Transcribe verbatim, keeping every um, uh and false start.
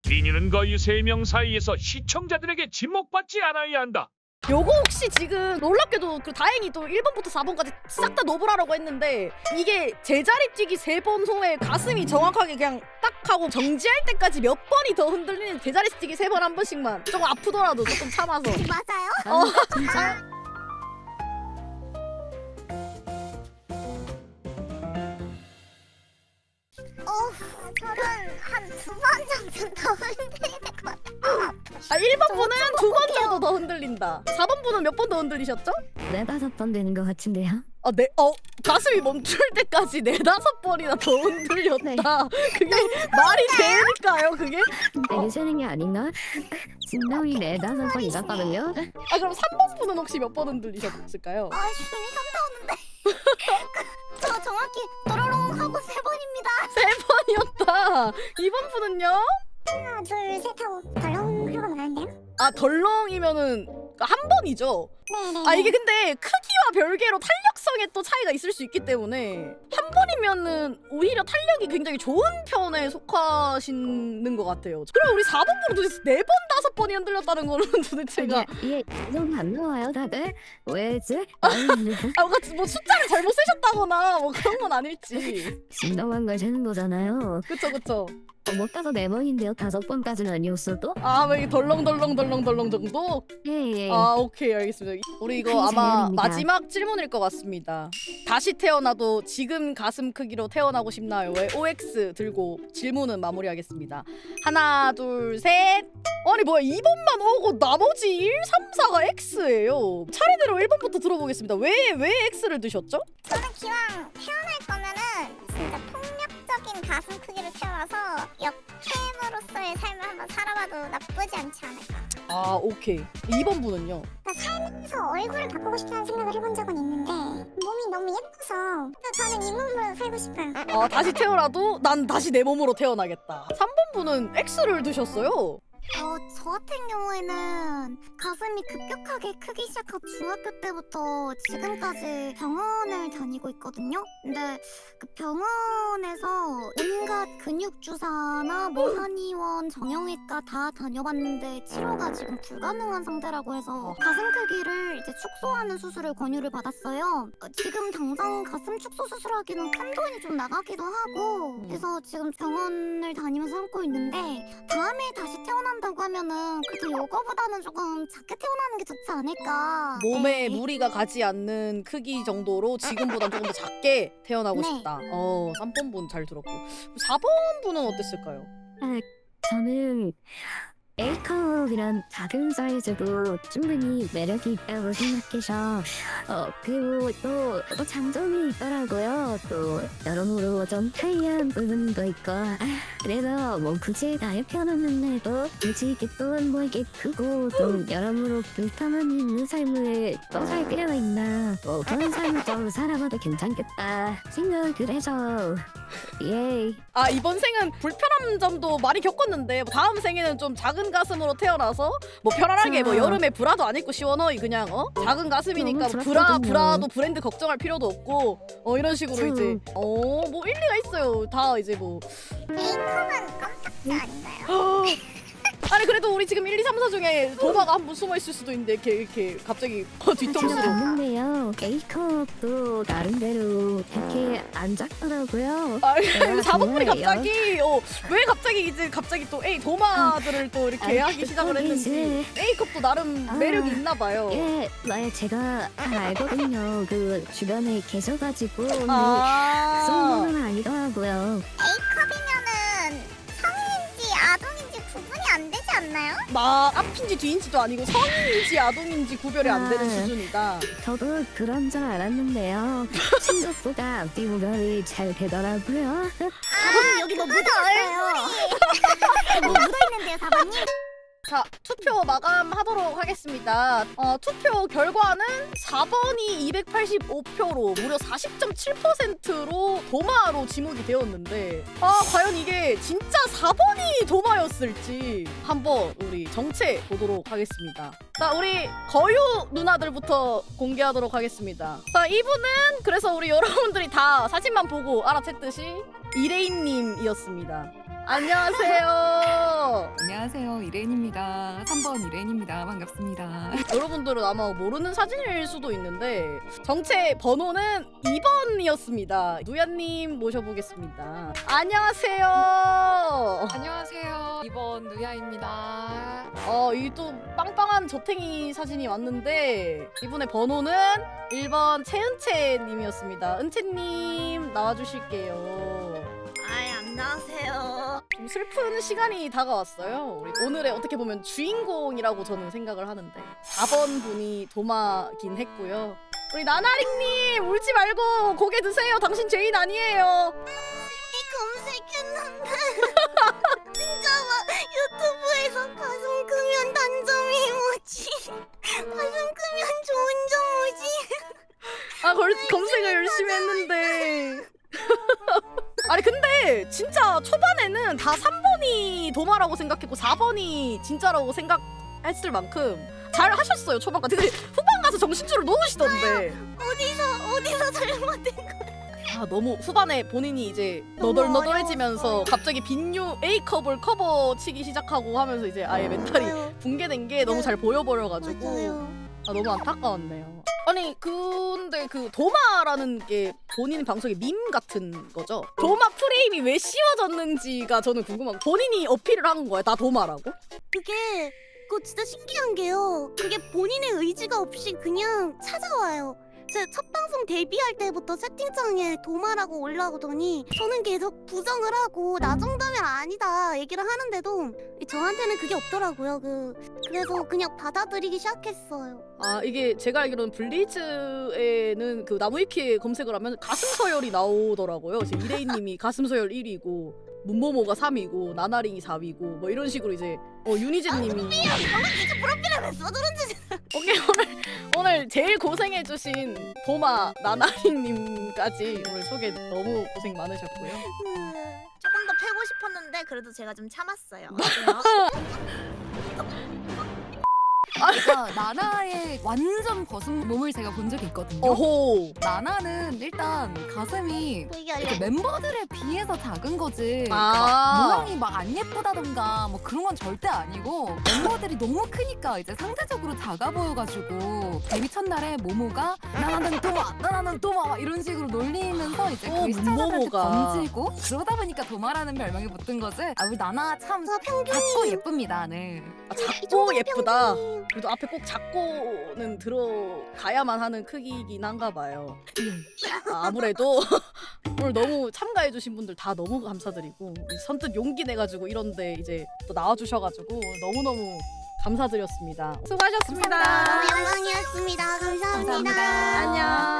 비니는 거의 세 명 사이에서 시청자들에게 지목받지 않아야 한다. 요거 혹시 지금 놀랍게도 그 다행히 또 일 번부터 사 번까지 싹 다 노브라라고 했는데 이게 제자리 뛰기 세 번 후에 가슴이 정확하게 그냥 딱 하고 정지할 때까지 몇 번이 더 흔들리는 제자리 뛰기 세 번 한 번씩만 조금 아프더라도 조금 참아서. 맞아요? 어. 진짜. 어, 저는 한 두 번 정도 더 흔들릴 것 같아요. 아 일 번 분은 두 번 정도 더 흔들린다. 사 번 분은 몇 번 더 흔들리셨죠? 네다섯 번 되는 것 같은데요. 아, 네, 어, 가슴이 멈출 때까지 네다섯 번이나 더 흔들렸다. 그게 말이 됩니까요, 그게? 되게 세는 게 아닌가? 진동이 네다섯 번 있었거든요. 아, 그럼 삼 번 분은 혹시 몇 번 흔들리셨을까요? 아, 숨이 산다오는데. 저 정확히 또로롱 하고 세 번입니다. 세 번이었다. 이 번 분은요? 하나, 둘, 셋 하고 덜렁 하고 나는데요? 아, 덜렁이면은 한 번이죠? 네네. 아, 이게 근데 크기와 별개로 탄력성에 또 차이가 있을 수 있기 때문에 한 번이면은 오히려 탄력이 굉장히 좋은 편에 속하시는 것 같아요. 그럼 우리 사 번 분은 도대체 네 번, 다섯 번이 흔들렸다는 거는 도대체가 이게 이동 안 나와요, 다들? 왜지? 아, 뭔가 뭐 숫자를 잘못 쓰셨다거나 뭐 그런 건 아닐지. 진동한 걸 세는 거잖아요. 그쵸, 그쵸. 어, 못 가서 네 번인데요. 다섯 번까지는 아니었어도? 아, 뭐 이게 덜렁덜렁덜렁덜렁 정도? 예, 예. 아, 오케이, 알겠습니다. 우리 이거 한 아마 사연입니다. 마지막 질문일 것 같습니다. 다시 태어나도 지금 가슴 크기로 태어나고 싶나요? 왜 오엑스 들고 질문은 마무리하겠습니다. 하나, 둘, 셋. 아니 뭐야, 이 번만 오고 나머지 일, 삼, 사가 X예요. 차례대로 일 번부터 들어보겠습니다. 왜, 왜 X를 드셨죠? 저는 기왕 태어날 거면은 진짜 폭력적인 가슴 크기로 태어나서 역캠으로서의 삶을 한번 살아봐도 나쁘지 않지 않을까. 아, 오케이. 이 번 분은요? 그러니까 살면서 얼굴을 바꾸고 싶다는 생각을 해본 적은 있는데 몸이 너무 예뻐서 저는 이 몸으로 살고 싶어요. 아, 다시 태어나도 난 다시 내 몸으로 태어나겠다. 삼 번 분은 X를 드셨어요. 어, 저 같은 경우에는 가슴이 급격하게 크기 시작한 중학교 때부터 지금까지 병원을 다니고 있거든요. 근데 그 병원에서 온갖 근육 주사나 뭐 한의원, 정형외과 다 다녀봤는데 치료가 지금 불가능한 상태라고 해서 가슴 크기를 이제 축소하는 수술을 권유를 받았어요. 어, 지금 당장 가슴 축소 수술하기는 큰 돈이 좀 나가기도 하고 그래서 지금 병원을 다니면서 참고 있는데 다음에 다시 태어난 다고 하면은 그래도 요거보다는 조금 작게 태어나는 게 좋지 않을까. 몸에 네. 무리가 가지 않는 크기 정도로 지금보다 조금 더 작게 태어나고 네. 싶다. 어, 삼 번 분 잘 들었고. 사 번 분은 어땠을까요? 아, 저는 A컵이란 작은 사이즈도 충분히 매력이 있다고 생각해서 어 그리고 또, 또 장점이 있더라고요. 또 여러모로 좀 편리한 부분도 있고 아, 그래서 뭐 굳이 나이 편안한데도 굳이 이렇게 또뭐 이게 크고 좀 여러모로 불편함이 있는 삶을 또 살 필요가 있나 뭐 그런 삶을 좀 살아봐도 괜찮겠다 생각을 해서 예. 아, 이번 생은 불편한 점도 많이 겪었는데 다음 생에는 좀 작은 가슴으로 태어나서 뭐 편안하게 뭐 그쵸. 여름에 브라도 안 입고 시원하이 그냥 어 작은 가슴이니까 너무 브라 부럽거든요. 브라도 브랜드 걱정할 필요도 없고 어 이런 식으로 그쵸. 이제 어 뭐 일리가 있어요. 다 이제 뭐 A컵은 깜짝지 아닌가요? 아니 그래도 우리 지금 일, 이, 삼, 사 중에 도마가 한 분 숨어 있을 수도 있는데 이렇게 이렇게 갑자기 어, 뒤통수로 있는데요. A컵도 나름대로 그렇게 안 작더라고요. 아, 아, 사 번 분이 정말요? 갑자기 어, 왜 갑자기 이제 갑자기 또 A 도마들을 또 이렇게 아, 하기 시작을 거기 했는지 이제- A컵도 나름 아. 매력이 있나 봐요. 예, 네, 제가 잘 알거든요. 그 주변에 계셔가지고 네, 그 아, 정도는 아니더라고요. A컵이면은 성인인지 아동인지 구분이 안 되지 않나요? 막 앞인지 뒤인지도 아니고 성인인지 아동인지 구별이 안 되는 아. 수준이다. 저도 그런 줄 알았는데요. 생각보다 앞뒤 구별이 잘 되더라고요. 사번님 여기 뭐 묻어있어요. 뭐 묻어있는데요 사번님? 자, 투표 마감하도록 하겠습니다. 어, 투표 결과는 사 번이 이백팔십오 표로 무려 사십 점 칠 퍼센트로 도마로 지목이 되었는데 아, 과연 이게 진짜 사 번이 도마였을지 한번 우리 정체 보도록 하겠습니다. 자, 우리 거유 누나들부터 공개하도록 하겠습니다. 자, 이분은 그래서 우리 여러분들이 다 사진만 보고 알아챘듯이 이레인님이었습니다. 안녕하세요. 이레인입니다. 삼 번 이레인입니다. 반갑습니다. 여러분들은 아마 모르는 사진일 수도 있는데 정체 번호는 이 번이었습니다. 누야님 모셔보겠습니다. 안녕하세요. 안녕하세요. 이번 누야입니다. 어, 이 또 빵빵한 저탱이 사진이 왔는데 이분의 번호는 일 번 최은채 님이었습니다. 은채님 나와주실게요. 아이 안녕하세요. 좀 슬픈 시간이 다가왔어요. 우리 오늘의 어떻게 보면 주인공이라고 저는 생각을 하는데 사 번 분이 도마긴 했고요. 우리 나나링님 울지 말고 고개 드세요. 당신 죄인 아니에요. 검색했는데 진짜 막 유튜브에서 가슴 크면 단점이 뭐지? 가슴 크면 좋은 점 뭐지? 아 걸, 검색을 열심히 했는데 아니 근데 진짜 초반에는 다 삼 번이 도마라고 생각했고 사 번이 진짜라고 생각했을 만큼 잘 하셨어요 초반까지. 근데 후반 가서 정신줄을 놓으시던데 어디서 어디서 잘못된 거야? 아 너무 후반에 본인이 이제 너무 너덜너덜해지면서 어려웠어요. 갑자기 빈유 A컵을 커버 치기 시작하고 하면서 이제 아예 멘탈이 맞아요. 붕괴된 게 너무 잘 보여버려가지고 맞아요. 아 너무 안타까웠네요. 아니 근데 그 도마라는 게 본인 방송의 밈 같은 거죠? 도마 프레임이 왜 씌워졌는지가 저는 궁금하고 본인이 어필을 한 거야 나 도마라고? 그게 그거 진짜 신기한 게요. 그게 본인의 의지가 없이 그냥 찾아와요. 제 첫 방송 데뷔할 때부터 채팅창에 도마라고 올라오더니 저는 계속 부정을 하고 나 정도면 아니다 얘기를 하는데도 저한테는 그게 없더라고요. 그 그래서 그냥 받아들이기 시작했어요. 아 이게 제가 알기로는 블리즈에는 그 나무위키에 검색을 하면 가슴 서열이 나오더라고요. 이제 이레이님이 가슴 서열 일 위고 문모모가 삼 위고 나나링이 사 위고 뭐 이런 식으로 이제 어 유니제님이 저는 진짜 프로필에 왜 써들었는지 오케이 오늘 오늘 제일 고생해주신 도마 나나링님까지 오늘 소개 너무 고생 많으셨고요. 조금 더 패고 싶었는데 그래도 제가 좀 참았어요. 그러니까 나나의 완전 벗은 몸을 제가 본 적이 있거든요. 어호. 나나는 일단 가슴이 되게 이렇게 알려. 멤버들에 비해서 작은 거지. 아. 막 모양이 막 안 예쁘다던가 뭐 그런 건 절대 아니고 멤버들이 너무 크니까 이제 상대적으로 작아 보여가지고 데뷔 첫날에 모모가 나나는 도마, 나나는 도마 막 이런 식으로 놀리면서 이제 어, 그 시청자들한테 모모가. 던지고 그러다 보니까 도마라는 별명이 붙은 거지. 아 우리 나나 참 저 평균이 작고 예쁩니다. 네. 아, 작고 예쁘다. 그래도 앞에 꼭 작고는 들어가야만 하는 크기긴 한가 봐요. 아, 아무래도 오늘 너무 참가해주신 분들 다 너무 감사드리고 선뜻 용기 내가지고 이런데 이제 또 나와주셔가지고 너무너무 감사드렸습니다. 수고하셨습니다. 감사합니다. 영광이었습니다. 감사합니다. 감사합니다. 안녕.